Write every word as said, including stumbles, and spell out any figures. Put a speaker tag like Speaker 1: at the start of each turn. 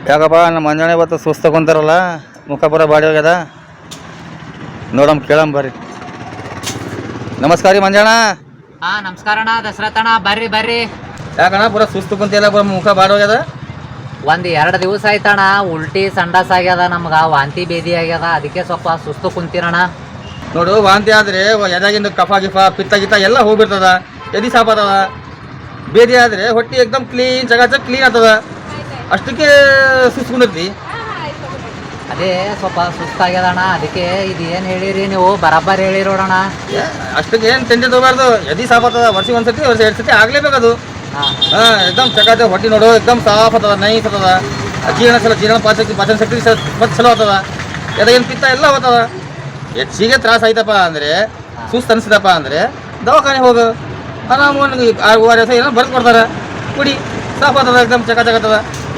Speaker 1: ಯಾಕಪ್ಪ ನಮ್ಮ ಮಂಜಾನೆ ಇವತ್ತು ಸುಸ್ತ ಕುಂತಾರಲ್ಲ ಮುಖ ಪೂರ ಬಾಡಿ ಹೋಗ್ಯದ. ನೋಡಮ್ ಕೇಳಮ್ ಬರ್ರಿ. ನಮಸ್ಕಾರ ರೀ ಮಂಜಾಣ.
Speaker 2: ಹಾ ನಮಸ್ಕಾರ ಅಣ್ಣ ದಸರಥಣ್ಣ, ಬರ್ರಿ ಬರ್ರಿ.
Speaker 1: ಯಾಕಣ್ಣ ಪೂರ ಸುಸ್ತು ಕುಂತಿಲ್ಲ, ಪೂರ ಮುಖ ಬಾಡಿ ಹೋಗ್ಯದ.
Speaker 2: ಒಂದ್ ಎರಡು ದಿವಸ ಆಯ್ತಣ್ಣ, ಉಲ್ಟಿ ಸಂಡಾಸ್ ಆಗ್ಯದ, ನಮ್ಗ ವಾಂತಿ ಬೇದಿ ಆಗ್ಯದ, ಅದಕ್ಕೆ ಸ್ವಲ್ಪ ಸುಸ್ತು ಕುಂತೀರಣ್ಣ.
Speaker 1: ನೋಡು, ವಾಂತಿ ಆದ್ರೆ ಎದಾಗಿಂದ ಕಫ ಗಿಫ ಪಿತ್ತ ಗಿತ್ತ ಎಲ್ಲ ಹೋಗ್ಬಿಡ್ತದ, ಎದಿ ಸಾಪ್ ಆಗ್ತದ. ಬೇದಿ ಆದ್ರೆ ಹೊಟ್ಟಿ ಎಕ್ದಮ್ ಕ್ಲೀನ್ ಚಗಾಚಕ್ ಕ್ಲೀನ್ ಆಗ್ತದ. ಅಷ್ಟಕ್ಕೆ ಸುಸ್ಕೊಂಡಿರ್ತಿ.
Speaker 2: ಅದೇ ಸ್ವಲ್ಪ ಸುಸ್ತಾಗ್ಯದಣ್ಣ, ಅದಕ್ಕೆ ಇದು ಏನು ಹೇಳಿರಿ ನೀವು ಬರಾಬರ್ ಹೇಳಿರೋಡಣ್ಣ.
Speaker 1: ಅಷ್ಟಕ್ಕೆ ಏನು ಟೆನ್ಷನ್ ತಗೋಬಾರ್ದು. ಎದಿ ಸಾಪ್ ಆಗ್ತದ, ವರ್ಷಕ್ಕೆ ಒಂದ್ಸತಿ ವರ್ಷ ಎರಡು ಸತಿ ಆಗ್ಲೇಬೇಕದು. ಹಾ ಎಕ್ದಮ್ ಚಕಾಚ ಹೊಟ್ಟಿ ನೋಡು ಎಕ್ದಮ್ ಸಾಫ್ ಆಗ್ತದ, ನೈಸ್ ಆಗ್ತದ. ಜೀರ್ಣ ಸಲ ಜೀರ್ಣ ಪಾಚಕ ಪಾಚನ ಶಕ್ತಿ ಮತ್ತೆ ಚಲೋ ಆಗ್ತದ. ಎದಾಗಿನ ಪಿತ್ತ ಎಲ್ಲ ಹೋಗ್ತದ. ಹೆಚ್ಚಿಗೆ ತ್ರಾಸ ಆಯ್ತಪ್ಪ ಅಂದ್ರೆ, ಸುಸ್ತು ಅನಿಸಿದಪ್ಪ ಅಂದ್ರೆ ದವಾಖಾನೆ ಹೋಗು. ಆರಾಮ ಒಂದು ಆರು ವಾರ ಏನೋ ಬರ್ದು ಕೊಡ್ತಾರೆ, ಕುಡಿ, ಸಾಫ್ ಆಗ್ತದ, ಎಕ್ದಮ್ ಚಕಾಚಕ ಆಗ್ತದ.